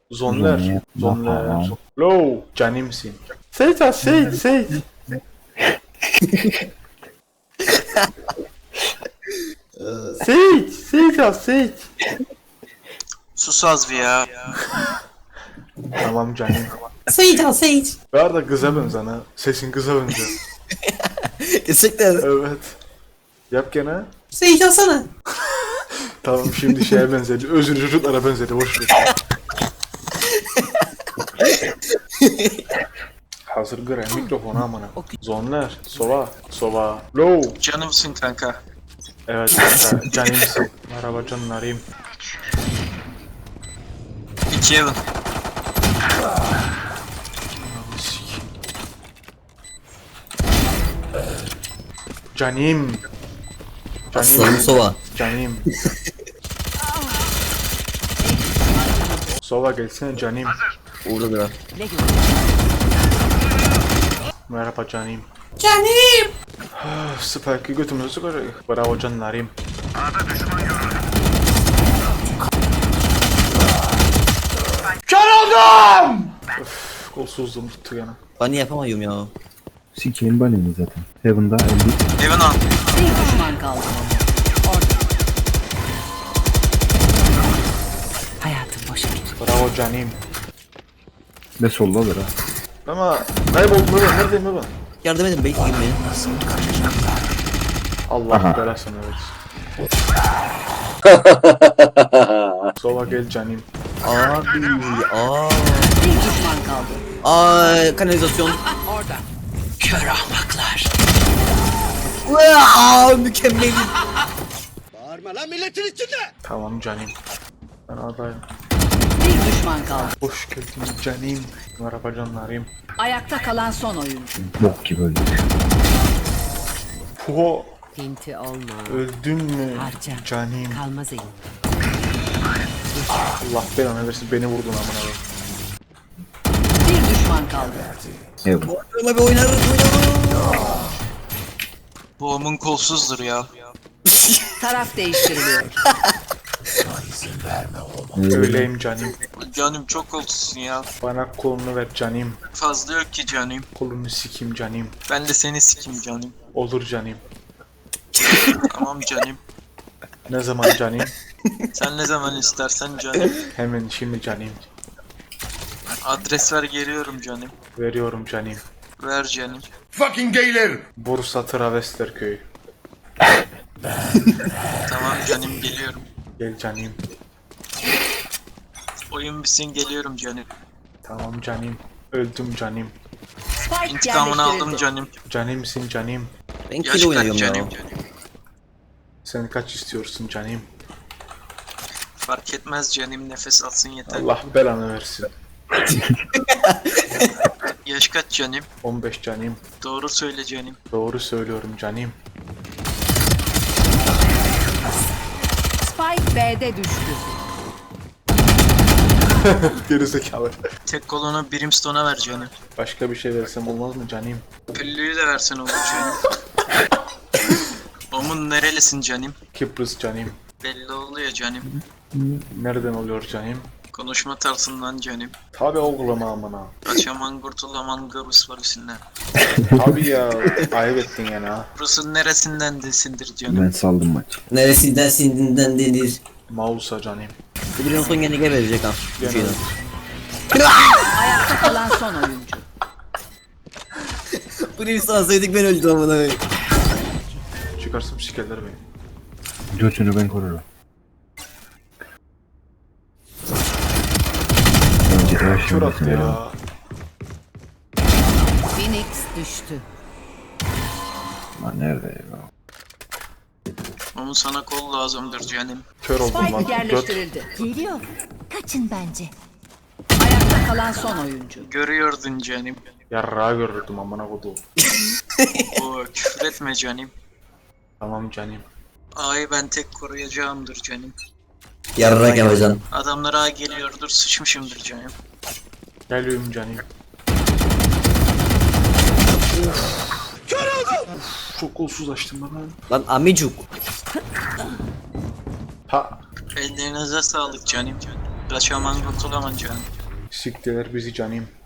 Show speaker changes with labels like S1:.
S1: Zonler. Zonler. Low. Canimsin. Seyit ha Seyit Seyit. Seyit. Seyit ha Seyit.
S2: Sus az bir ya.
S1: Tamam canım.
S3: Seyit al Seyit.
S1: Bu arada kıza benzen ha. Sesin kıza benziyor.
S3: Gerçekten.
S1: Evet. Yap gene.
S3: Seyit alsana.
S1: Tamam şimdi şeye benzedi. Özür çocuklara benzedi. Boş ver. Hazır göre mikrofonu amına. Zonlar. Sova. Sova. Low.
S2: Canımsın kanka.
S1: Evet kanka. Canimsin. Merhaba canlarım.
S2: 2 Evan.
S1: Canim.
S3: Aslanım sova.
S1: Canim. Sova gelsene canim.
S3: Uğurlu bira.
S1: Merhaba canim.
S3: Canim.
S1: Spike'ı götümüzü sıkacak. Bravo canlarım. Kör oldum! Öf, kolsuzluğum tuttu gene.
S3: Ben yapamıyorum ya.
S4: Sikeyim baneni zaten. Heaven'da 50.
S2: Evan al.
S5: Bir düşman kaldı. Orada. Hayatım boşa gitti.
S1: Bravo canim.
S4: Ve solda alır ha.
S1: Ama kayboldum ben. Neredeyim ben?
S3: Yardım edin bey. Girmeyin.
S1: Allah
S4: Aha.
S1: belasını versin. Sova gel canim.
S3: Abi.
S5: Bir düşman kaldı.
S3: Ay kanalizasyon.
S5: Orada. Kör ahmaklar.
S3: Aa, mükemmel.
S1: Tamam canim. Ben adayım.
S5: Bir düşman kaldı.
S1: Hoş geldin canim. Merhaba canlarım.
S5: Ayakta kalan son oyuncu.
S4: Bok gibi öldü.
S1: Puho.
S5: Pinti olma.
S1: Öldün mü
S5: Harca.
S1: canim?
S5: Kalmaz elim.
S1: Allah belanı versin beni vurdun amına koyayım.
S5: Bir düşman kaldı.
S4: Heaven.
S3: Ama bir oynarız.
S2: Boğumun kolsuzdur ya.
S5: Taraf değiştiriliyor.
S1: Öyleyim canim.
S2: Canım çok kolsuzsun ya.
S1: Bana kolunu ver canim.
S2: Fazla yok ki canım.
S1: Kolunu sikim canim.
S2: Ben de seni sikim canım.
S1: Olur canim.
S2: Tamam canım.
S1: Ne zaman canim?
S2: Sen ne zaman istersen canım.
S1: Hemen şimdi canim.
S2: Adres ver geliyorum canım.
S1: Veriyorum canim.
S2: Ver canım.
S1: Bursa Travestler
S2: Tamam canım geliyorum.
S1: Gel canim.
S2: Oyun bitsin geliyorum canım.
S1: Tamam canim. Öldüm canim.
S5: Spike
S2: İntikamını aldım
S5: yerleştirildi.
S2: canım.
S1: Canimsin canim.
S3: Ben
S2: Yaş
S3: kill
S2: kaç
S3: oynuyorum ya.
S2: canım?
S1: Sen kaç istiyorsun canim?
S2: Fark etmez canım, nefes alsın yeter.
S1: Allah belanı versin.
S2: Yaş kaç canım?
S1: 15 canim.
S2: Doğru söyle canım.
S1: Doğru söylüyorum canim.
S5: Spike B'de düştü.
S1: Gerizekalı.
S2: Tek kolunu Brimstone'a ver canım.
S1: Başka bir şey versem olmaz mı canim?
S2: Püllüyü de versen olur canım. Omun nerelisin canım?
S1: Kıbrıs canim.
S2: Belli oluyor canım.
S1: Nereden oluyor canim?
S2: Konuşma tarzından canım.
S1: Tabi oğlum amına.
S2: Kaçaman kurtulaman Garus var üstünden.
S1: Tabi ya. Ayıp ettin yani ha.
S2: Rus'un neresinden desindir canım.
S4: Ben saldım maç.
S3: Neresinden sindinden denir.
S1: Mausa canim.
S3: Bu bir son gene geberecek ha. Bu
S1: Gene.
S3: şeyden.
S5: Ayakta kalan son oyuncu.
S3: Bu bir sansaydık ben öldüm amına koyayım.
S1: Çıkarsam sikerler beni.
S4: Götünü ben korurum. Önce her
S1: Kör
S4: şey
S1: attı ya.
S5: Phoenix düştü.
S4: Lan nerede ya?
S2: Onun sana kol lazımdır canım.
S1: Kör oldum lan.
S5: Spike
S1: Göt.
S5: yerleştirildi.
S6: Geliyor. Kaçın bence.
S5: Ayakta kalan son oyuncu.
S2: Görüyordun canım.
S1: Yarrağı görürdüm amına kodum.
S2: O küfür etme canım.
S1: Tamam canim.
S2: A'yı ben tek koruyacağımdır canım.
S3: Yarrak yapacaksın.
S2: Adamlar A geliyordur, sıçmışımdır canım.
S1: Geliyorum canim. Çok kolsuz açtım bana.
S3: Lan amicuk.
S1: Ha.
S2: Ellerinize sağlık canım. Kaçaman kurtulaman canım.
S1: Siktiler bizi canim.